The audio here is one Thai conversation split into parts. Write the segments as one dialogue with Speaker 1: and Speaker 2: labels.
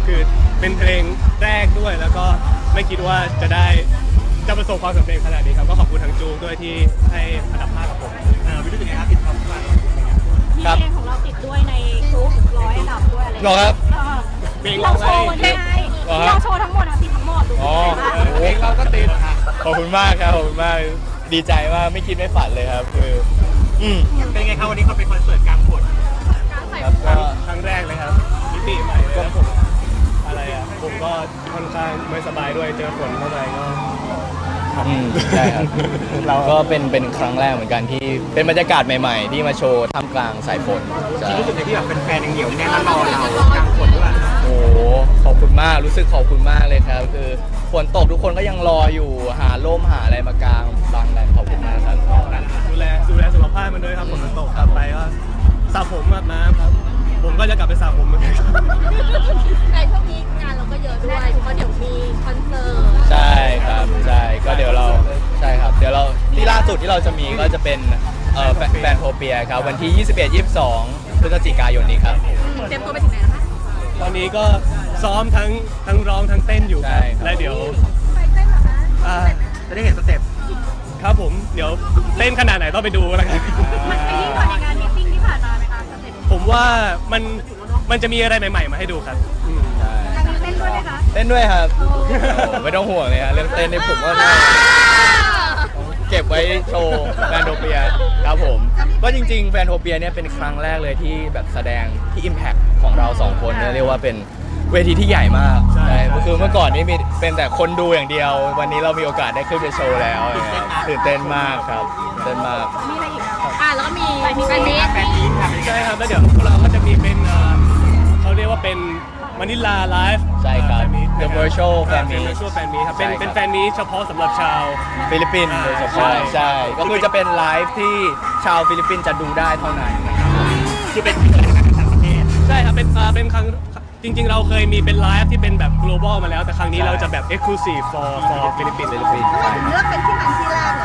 Speaker 1: คือเป็นเพลงแรกด้วยแล้วก็ไม่คิดว่าจะประสบความสำเร็จขนาดนี้ครับก็ขอบคุณทางจูด้วยที่ให้อันดับ5กับผม
Speaker 2: วิธีเป็นไงครับติดท็อป5
Speaker 3: มีเพลงของเราติดด้วยในกรุ๊ป100 อันดับด้วยอะไรอย่าง
Speaker 4: หรอ
Speaker 3: เงี้ย
Speaker 4: ครับ
Speaker 3: เราโชว์วันนี้ไงเราโชว์ทั้งหมดติดทั้งหมดดู
Speaker 4: อ๋อ
Speaker 2: เพลงเราก็ติดค่ะ
Speaker 4: ขอบคุณมากครับขอบคุณมากดีใจมากไม่คิดไม่ฝันเลยครับคือ
Speaker 2: เป็นไงครับวันนี้เขาเป็นคอนเสิร์ตกลางฝน
Speaker 4: ครับก็
Speaker 1: ครั้งแรกเลยครับมิติใหม่เลยแล้วผมผมก็ค่อนข้างไม่สบายด้วยเจอฝนเข้าไปก็
Speaker 4: ใช่ครับเราก็เป็นครั้งแรกเหมือนกันที่เป็นบรรยากาศใหม่ๆที่มาโชว์ท่ามกลางสายฝนใช่
Speaker 2: ที่รู้สึกที่แบบเป็นแฟนยังเหนียวแน่นรอเรากลางฝนด้วย
Speaker 4: โอ้โหขอบคุณมากรู้สึกขอบคุณมากเลยครับคือฝนตกทุกคนก็ยังรออยู่หาร่มหาอะไรมากางบังกันขอบคุณมากครับ
Speaker 1: ดูแลสุขภาพมันด้วยครับฝนมันตกครับไปก็สระผมอาบน้ำครับผมก็จะกลับไปสระผมเหมือนกันครับ
Speaker 3: ในช่วงนี้งานเราก็เยอะด้วยเพราะเดี๋ยวมีคอนเสิร์ต
Speaker 4: ใช่ครับใช่ก็เดี๋ยวเราใช่ครับเดี๋ยวเราที่ล่าสุดที่เราจะมีก็จะเป็นแฟนโทเปียครับวันที่ 21-22 พฤศจิกายนนี้ครับ
Speaker 3: เตรียมตัวไปถึงไหนแล้วคะ
Speaker 1: ตอนนี้ก็ซ้อมทั้งร้องทั้งเต้นอยู่ครับและเดี๋ยว
Speaker 3: ไปเต้นเหรอคะ
Speaker 2: จะได้เห็นสเต็ป
Speaker 1: ครับผมเดี๋ยวเต้นขนาดไหนต้องไปดูแล้วกัน
Speaker 3: มันไปยิ่งกว่าในงานมีตติ้งที่ผ่านมาไหมคะสเต็ป
Speaker 1: ผมว่ามันจะมีอะไรใหม่ๆมาให้ดูครับ
Speaker 4: ใช่
Speaker 3: ครั้งนี้เต้นด้วยไหมคะ
Speaker 4: เต้นด้วยครับไม่ต้องห่วงเลยฮะเรื่องเต้นนี่ผมก็เก็บไว้โชว์แฟนโทเปียครับผมก็จริงๆแฟนโทเปียเนี่ยเป็นครั้งแรกเลยที่แบบแสดงที่ Impact ของเราสองคนเนี่ยเรียกว่าเป็นเวทีที่ใหญ่มาก
Speaker 1: ใช่
Speaker 4: คือเมื่อก่อนนี้มีเป็นแต่คนดูอย่างเดียว วันนี้เรามีโอกาสได้ขึ้นไปโชว์แล้วนะครับตื่นเต้นมากครับตื่นเต้นมาก
Speaker 3: มีอะไรอีกแล้วก็มีแฟนมีต
Speaker 2: แฟนนี้ค่ะ
Speaker 1: ใช่ครับแล้วเดี๋ยวพวกเราก็จะมีเป็นเขาเรียกว่าเป็นมานิลาไลฟ์
Speaker 4: ใช่ครับ The Virtual Fan Meet
Speaker 1: เป็น virtual fan meet ครับเป็น
Speaker 4: ใช่ครับ
Speaker 1: เป็นแฟนมีตเฉพาะสำหรับชาว
Speaker 4: ฟิลิปปินส์โดยเฉพาะใช่ก็คือจะเป็นไลฟ์ที่ชาวฟิลิปปินส์จะดูได้เท่านั้นนะครับ
Speaker 2: คือเป็นที่เกิดในต่างประเทศ
Speaker 1: ใช่ครับเป็นครั้งจริงๆ เราเคยมีเป็นไลฟ์ที่เป็นแบบ global มาแล้วแต่ครั้งนี้เราจะแบบ exclusive for ฟิลิปปินส์
Speaker 3: เลือกเป็นที่มันที่แรกเลย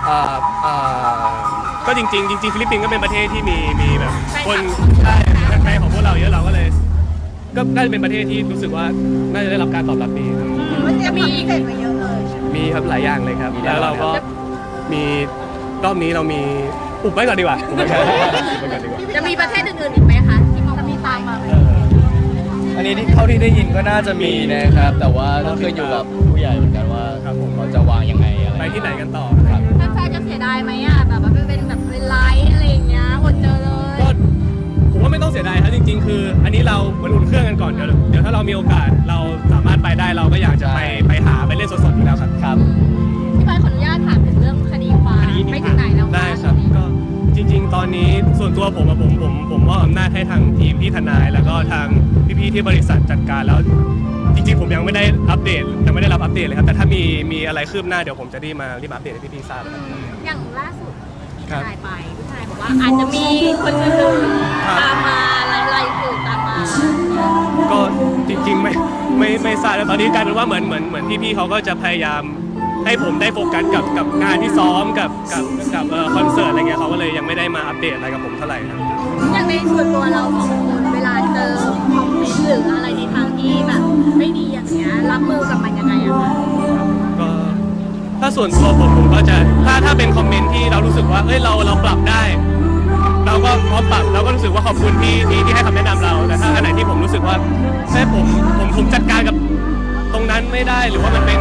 Speaker 1: ก็จริงๆฟิลิปปินส์ก็เป็นประเทศที่มีแบบคนใช่แฟนของพวกเราเยอะเราก็เลยก็น่าจะเป็นประเทศที่รู้สึกว่าน่าจะได้รับการตอบรับดีครับ
Speaker 3: จะมีอีกเด็ดมาเยอะเลย
Speaker 1: มีครับหลายอย่างเลยครับแล้วเราก็มีรอบนี้เรามีอุบไว้ก่อนดีกว่าอุบไว้ก่อนดีกว่า
Speaker 3: จะมีประเทศอื่นๆอีกไหมคะที่มองมีตามมาไหม
Speaker 4: อันนี้ที่เท่าที่ได้ยินก็น่าจะมีนะครับ แต่ว่าต้องขึ้นอยู่กับผู้ใหญ่เหมือนกันว่าเขาจะวางยังไงอะไร
Speaker 1: ไปที่ไหนกันต่อ
Speaker 4: ครับ
Speaker 3: แฟนๆจะเสียดายไหมอ่ะแบบว่าเป็นแบบเป็นไลฟ์อะไรอย่างเงี้ยอดเจอเลย
Speaker 1: ก็ผมว่าไม่ต้องเสียดายครับจริงๆ คือ อันนี้เราเหมือนอุ่นเครื่องกันก่อนเดี๋ยวถ้าเรามีโอกาสเราสามารถไปได้เราก็อยากจะไปหาไปเล่นสดๆอยู่แล้วครับ
Speaker 4: ครับ
Speaker 3: พี่บอยขออนุญาตถามถึงเรื่องคดีความไม่ถึงไหนแล้วะ
Speaker 1: ได้ครับก็จริงๆ ตอนนี้ส่วนตัวผมมอบอำนาจให้ทางทีมพี่ทนาย แล้วก็ทางพี่ๆที่บริษัทจัดการแล้ว จริงๆ ผมยังไม่ได้อัปเดตยังไม่ได้รับอัปเดตเลยครับแต่ถ้ามีอะไรคืบหน้าเดี๋ยวผมจะรีบอัปเดตให้พี่ๆทราบนะครับ
Speaker 3: อย่างล่าสุดที่ทนายไปพี่ทนายบอกว่าอาจจะมีคนอื่นๆตามมาไล่ๆสื่อตามมา
Speaker 1: ก็จริงๆไม่ทราบแล้วตอนนี้กลายเป็นว่าเหมือนพี่ๆเขาก็จะพยายามให้ผมได้โฟกัสกับงานที่ซ้อมกับคอนเสิร์ตอะไรเงี้ยเขาก็เลยยังไม่ได้มาอัปเดตอะไรกับผมเท่าไหร่ครับ
Speaker 3: อย่างในส่วนตัวเราสองคนเวลาเจอคอมเมนต์หรืออะไรในทางที่แบบไม่ดีอย่างเงี้ยรับมือกับมันยังไงอะคะ
Speaker 1: ก็ถ้าส่วนตัวผมก็จะถ้าเป็นคอมเมนต์ที่เรารู้สึกว่าเอ้ยเราปรับได้ เราก็พร้อมปรับเราก็รู้สึกว่าขอบคุณที่ให้คำแนะนำเราแต่ถ้าอันไหนที่ผมรู้สึกว่าเฮ้ยผมจัดการกับตรงนั้นไม่ได้หรือว่ามันเป็น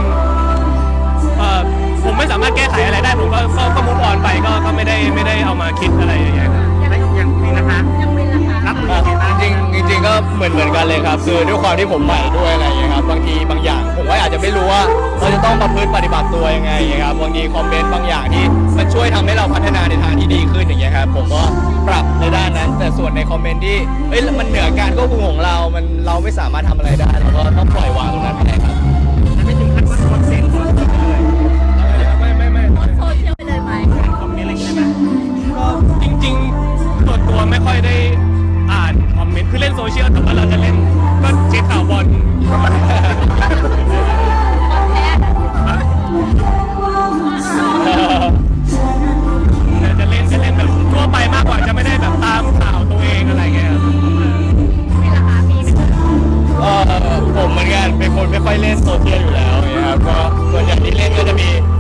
Speaker 1: ผมไม่สามารถแก้ไขอะไรได้ผมก็มุกออนไปก็ไม่ได้เอามาคิดอะไรอย่างเงี้ยครับ
Speaker 2: ยังมีนะคะ
Speaker 3: ยังเป็นราคา
Speaker 2: รับมือยังไงบ้าง
Speaker 4: จริงๆก็เหมือนกันเลยครับคือด้วยความที่ผมใหม่ด้วยอะไรอย่างเงี้ยครับบางทีบางอย่างผมก็อาจจะไม่รู้ว่าเราจะต้องประพฤติปฏิบัติตัวยังไงครับบางทีคอมเมนต์บางอย่างที่มันช่วยทำให้เราพัฒนาในทางที่ดีขึ้นอย่างเงี้ยครับผมก็ปรับในด้านนั้น แต่ส่วนในคอมเมนต์ที่มันเหนือการควบคุมของเราเราไม่สามารถทำอะไรได้เราก็ต้องปล่อยวางตรงนั้นไปครับ
Speaker 2: ไม่ถึงขั้นว่าคอนเทนต์ของเราเลย
Speaker 1: ไม่
Speaker 3: โพสต์โซเชียลไปเลยไหม
Speaker 2: คอมเมนต์อะไรอย่างเงี้ยไหม
Speaker 1: ก็จริงๆตัวไม่ค่อยได้อ่านคอมเมนต์คือเล่นโซเชียลแต่ว่าเราจะเล่นก็เช็คข่าวบอล จะเล่นแบบทั่วไปมากกว่าจะไม่ได้แบบตามข่าวตัวเองอะไรเงี้ยครับ
Speaker 3: มีราคามีไหม
Speaker 4: ผมผมเหมือนกันเป็นคนไม่ค่อยเล่นโซเชียลอยู่แล้วนะครับก็ส่วนใหญ่ที่เล่นก็จะมี